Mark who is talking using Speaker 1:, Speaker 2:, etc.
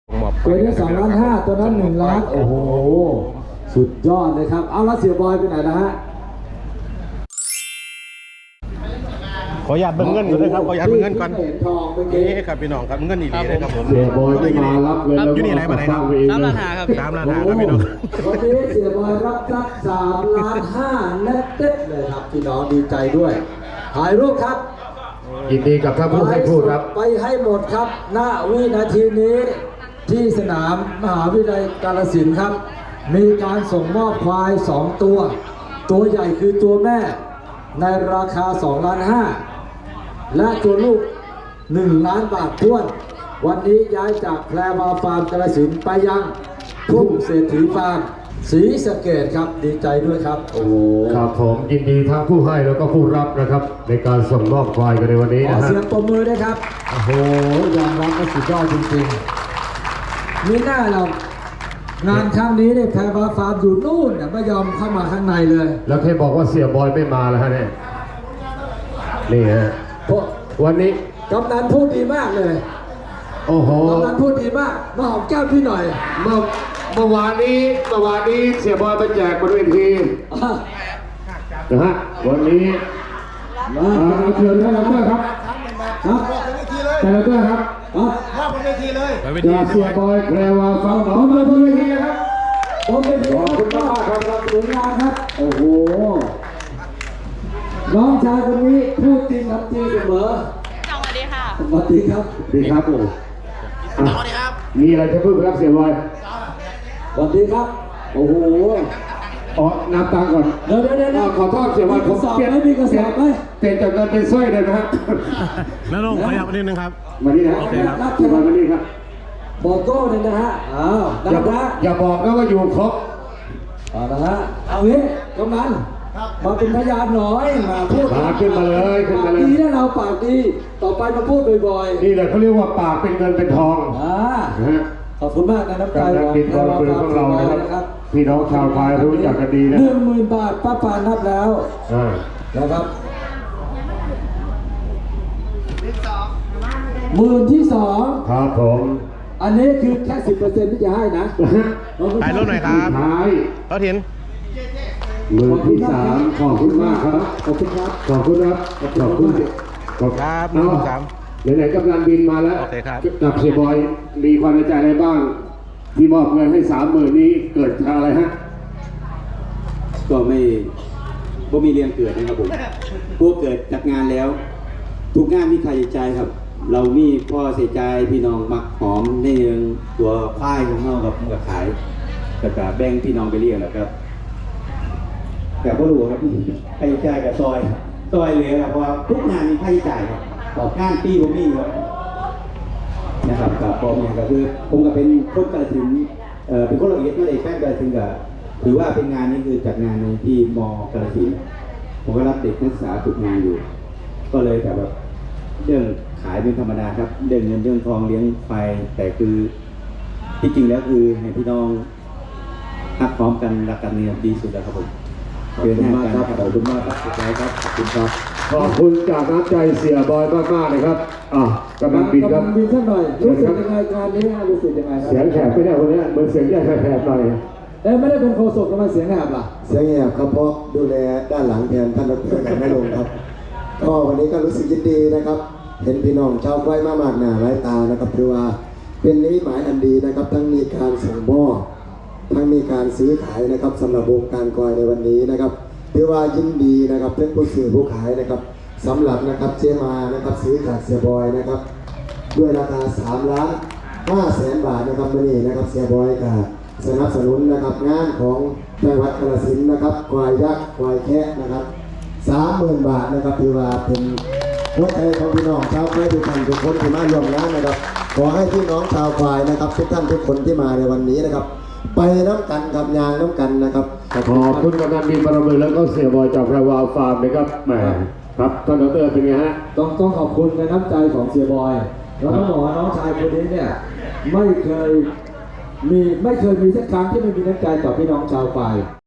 Speaker 1: ตัวนี้2,500,000ตัวนั้น1,000,000โอ้โหสุดยอดเลยครับเอาละเสียบอยไปไหนนะฮะ
Speaker 2: ขออนุญาตเบิ่งเงินก่อนเลยครับขออนุญาตเบิ่งเงินก่อนนี่ครับพี่น้องครับเงินอีกเลยครับผม
Speaker 3: เสียบอยไม่มารับเลยแล้ว
Speaker 2: อยู่นี่ไหนมาไหนครับ
Speaker 4: 3,500,000ครับ
Speaker 2: 3,500,000ครับพี่น้อง
Speaker 1: วันนี้เสียบอยรับทรัพย์3,500,000และเต็ดเลยครับพี่น้องดีใจด้วยถ่ายรูปครับ
Speaker 3: ยินดีกับท่านผู้ให้พูดครับ
Speaker 1: ไปให้หมดครับณวินาทีนี้ที่สนามมหาวิทยาลัยกาฬสินธุ์ครับมีการส่งมอบควาย2ตัวตัวใหญ่คือตัวแม่ในราคา2,500,000และตัวลูก1,000,000 บาทท้วนวันนี้ย้ายจากแพรวาฟาร์มกาฬสินธุ์ไปยังทุ่งเศรษฐีฟาร์มศรีสะเกษครับดีใจด้วยครับโอ้
Speaker 3: ครับผมยินดีทั้งผู้ให้แล้วก็ผู้รับนะครับในการส่งมอบควายกันในวันนี้นะฮะ
Speaker 1: ขอเสียงปรบมือด้วยครับโอ้โหยอมรับว่าสุดยอดจริงๆมีหน้าเรางานครั้งนี้เนี่ยแพรวาฟาร์มอยู่นู่นไม่ยอมเข้ามาข้างในเลย
Speaker 3: แล้วเคยบอกว่าเสียบอยไม่มาแล้วฮะเนี่ยนี่ฮะวันนี้
Speaker 1: กำนันพูดดีมากเลย
Speaker 3: โอ้โห
Speaker 1: กำนันพูดดีมากมาหอมแก้มพี่หน่อย
Speaker 3: เมื่อวานนี้เสียบอยไปแจกบนเวทีนะฮะวันนี้เชิญท่านรับครับครับแต่ละด้วยครับ
Speaker 1: มาบนเวทีเลย
Speaker 3: จะเสียบอยแพรวาฟังหนอมาบนเวทีนะครับ
Speaker 1: ขอบคุณมากครับรับหนุนงานครับโอ้โหน้องชายคนนี้พูดจริงทำจริงเสมอ
Speaker 4: สวัสดีค่ะ
Speaker 1: สวัสดีครับ
Speaker 3: ดีครับผมสวัสดีครับมีอะไรจะพูดครับเสียบอย
Speaker 1: สวัสดีครับโอ้โห
Speaker 3: นับตังก่อน
Speaker 1: เดี๋ยว
Speaker 3: ขอโทษเสียบอยผม
Speaker 1: เปลี่ยนไม่มีกระสอบไหม
Speaker 3: เปลี่ยนจากเงินเป็นสร้อยเลยนะฮะ
Speaker 2: แล้วลงขยับนิดนึงครับ
Speaker 3: มานี่นะ
Speaker 2: โอเคครับ
Speaker 3: มานี่ครับ
Speaker 1: บอกโก้เลยนะฮะ
Speaker 3: อย่าบอกนะว่าอยู่ครบ
Speaker 1: นะฮะเอางี้กำนันมาเป็นพยานหน่อยมาพูด
Speaker 3: ขึ้นมาเลย
Speaker 1: ดีนะเราปากดีต่อไปมาพูดบ่อย
Speaker 3: ๆนี่แหละเขาเรียกว่าปากเป็นเงินเป็นทอง
Speaker 1: ขอบคุณมากนะน้ำใจ
Speaker 3: ของบินบอลปืนของเรานะครับพี่น้องชาวไทยรู้จักกันดีนะ
Speaker 1: 10,000 บาทป้าปานนับแล้วนะครับ10,000ที่2
Speaker 3: ครับผม
Speaker 1: อันนี้คือแค่ 10% ที่จะให้นะ
Speaker 2: ถ่ายรูปหน่อยครับเขาเห็น
Speaker 3: 10,000ที่3ขอบคุณมากครับ
Speaker 1: ขอบคุณครับ
Speaker 3: ขอบคุณครับขอบคุณ
Speaker 2: ครับ13
Speaker 3: ไหนๆกำลังบินมาแล้วกับเสียบอยมีความในใจอะไรบ้างที่มอบเงินให้30,000นี้เกิดจากอะไรฮะ
Speaker 5: ก็ไม่มีเรียนเกิดนะครับผมพวกเกิดจากงานแล้วทุกงานมีค่าใช้จ่ายครับเรามีพ่อเสียใจพี่น้องมักหอมในเรื่องตัวค่ายของเรากับขายกับแบ่งพี่น้องไปเรียกแหละครับแต่ก็รู้ครับค่าใช้จ่ายกับซอยเลยครับเพราะทุกงานมีค่าใช้จ่ายครับต่องานปีผมมีครับนะครับกับพอมีก็คือผมก็เป็นคนกาฬสินธุ์เป็นคนละเอียดนั่นเองแฟนกาฬสินธุ์ก็ถือว่าเป็นงานนี้คือจัดงานในที่ม.กาฬสินธุ์ผมก็รับเด็กนักศึกษาฝึกงานอยู่ก็เลยแต่แบบเรื่องขายเป็นธรรมดาครับเรื่องเงินเรื่องทองเลี้ยงไฟแต่คือที่จริงแล้วคือให้พี่น้องรักพร้อมกันรักกันเนี่ยดีสุดแล้วครับผม
Speaker 1: ขอบคุณมากครับขอบคุณมากครับสุดท้ายครับขอบคุณครับ
Speaker 3: ขอบคุณจากน้ำใจเสียบอยมากๆเลยครับกำลังบินครับ
Speaker 1: บินสักหน่อยรู้สึกยังไงการนี้รู้สึกยังไงครับ
Speaker 3: เสียงแหบไม่ได้คนนี้เหมือนเสียงแหบหน่อย
Speaker 1: ไม่ได้เป็นโฆษกทำไมเสียงแหบล่ะ
Speaker 6: เสียงแหบครับเพราะดูแลด้านหลังแทนท่านดร.กันไม่ลงครับก็วันนี้ก็รู้สึกยินดีนะครับเห็นพี่น้องชาวไร่มากหน้าหลายตานะครับถือว่าเป็นนิมิตหมายอันดีนะครับทั้งมีการส่งมอบทั้งมีการซื้อขายนะครับสำหรับวงการกอยในวันนี้นะครับถือว่ายินดีนะครับเพื่อนผู้ซื้อผู้ขายนะครับสำหรับนะครับเจมานะครับซื้อจากเสียบอยนะครับด้วยราคา3,500,000 บาทนะครับวันนี้นะครับเสียบอยกับสนับสนุนนะครับงานของจังหวัดกาฬสินธุ์นะครับควายยักษ์ควายแคะนะครับ30,000 บาทนะครับถือว่าเป็นหัวใจของพี่น้องชาวไร่ทุกท่านทุกคนที่มาร่วมงานนะครับขอให้พี่น้องชาวควายนะครับทุกท่านทุกคนที่มาในวันนี้นะครับไปน้ำกันกับยางน้ำกันนะครับ
Speaker 3: ขอบคุณกำนันบินบารมีแล้วก็เสียบอยจากแพรวาฟาร์มนะครับแหมครับท่านดร.เป็นไงฮะ
Speaker 1: ต้องขอบคุณในน้ำใจของเสียบอยแล้วต้องบอกว่าน้องชายคนนี้เนี่ยไม่เคยมีสักครั้งที่ไม่มีน้ำใจต่อพี่น้องชาวควาย